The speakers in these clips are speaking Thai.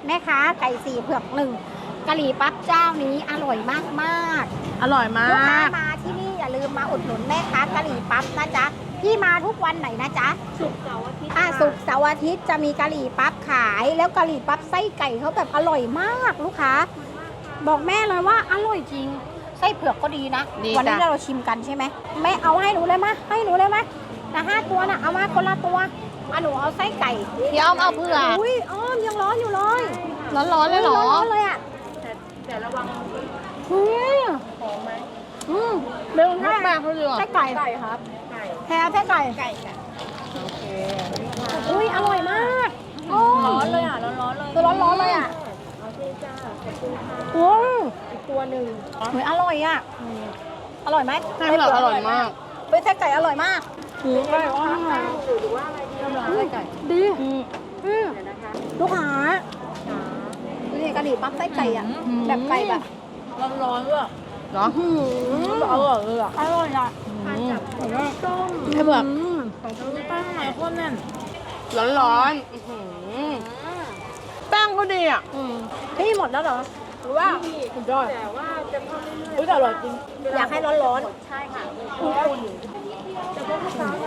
แม่ค้าไก่สี่เผือกหนึ่งกะหรี่ปั๊บเจ้านี้อร่อยมากอร่อยมาๆลูกค้าก มาที่นี่อย่าลืมมาอุดหนุนแม่ค้ากะหรี่ปั๊บนะจ๊ะพี่มาทุกวันไหนนะจ๊ะศุกร์เสาร์อาทิตย์ศุกร์เสาร์อาทิตย์จะมีกะหรี่ปั๊บขายแล้วกะหรี่ปั๊บไส้ไก่เขาแบบอร่อยมากลูกค้าบอกแม่เลยว่าอร่อยจริงไส้เผือกก็ดีนะดีวันี้จ้ะเราชิมกันใช่ไหมแม่เอาให้หนูเลยมะให้หนูเลยมะแต่5 ตัวนะเอามาคนละตัวหนูเอาไส้ไก่พี่อ้อมเอาเผือกอุ้ยอ้อมยังร้อนอยู่เลยร้อนๆเลยเหรอร้อนเลยอ่ะแต่ระวังอืมหอมไหมเบลแม่แม่เขาเลือกไส้ไก่ไก่ครับไก่แพ้ไส้ไก่ไก่ค่ะโอเคอุ้ยอร่อยมากโอ้ร้อนเลยอ่ะร้อนๆเลยคือร้อนๆเลยอ่ะโอเคจ้าขอบคุณค่ะโอ้ยอีกตัวหนึ่งเฮ้ยอร่อยอ่ะอร่อยไหมไส้เผือกอร่อยมากเป็นไส้ไก่อร่อยมากหรือว่าอะไรดีน้ำไส้ไก่ดีเดี๋ยวนะคะลูกค้าดูดิกะหรี่ปั๊บไส้ไก่อ่ะแบบไก่แบบร้อนๆด้วยเนาะอร่อยเลยอ่ะอร่อยอ่ะทานกับต้มไส้เผือกของทางใต้ข้างในโคตรแน่นร้อนๆอื้อหือแป้งก็ดีอ่ะพี่หมดแล้วเหรอหรือว่าสุดยอดแต่ว่าจะทำเรื่อยๆแต่อร่อยจริงอยากให้ร้อนใช่ค่ะคุณแต่พวกลูกค้ามา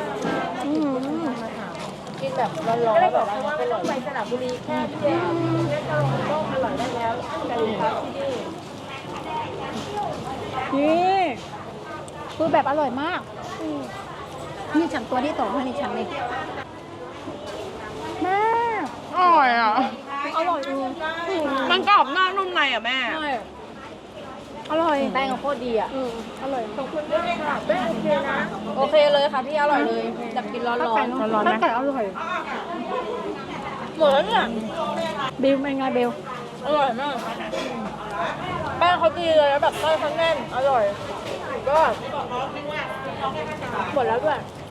กินแบบร้อนๆแบบว่าไม่ต้องไปสระบุรีแค่เดียวแค่กะหล่ำก็อร่อยได้แล้วกะหรี่ปั๊บที่นี่นี่คือแบบอร่อยมากนี่ฉันตัวที่2ให้นี่ฉันเลยแม่อร่อยอ่ะอร่อยจริงมันกรอบนอกนุ่มในอ่ะแม่อร่อยแป้งโคตรดีอ่ะอร่อยขอบคุณด้วยค่ะแป้งโอเคนะ โอเคเลยค่ะพี่อร่อยเลยจะกินร้อนไก่ร้อนๆไหมไก่อร่อยๆหมดแล้วเนี่ยเบลเป็นไงเบลอร่อยมากแป้งเขาดีเลยแล้วแบบไส้เขาแน่นอร่อยก็หมดแล้วด้วย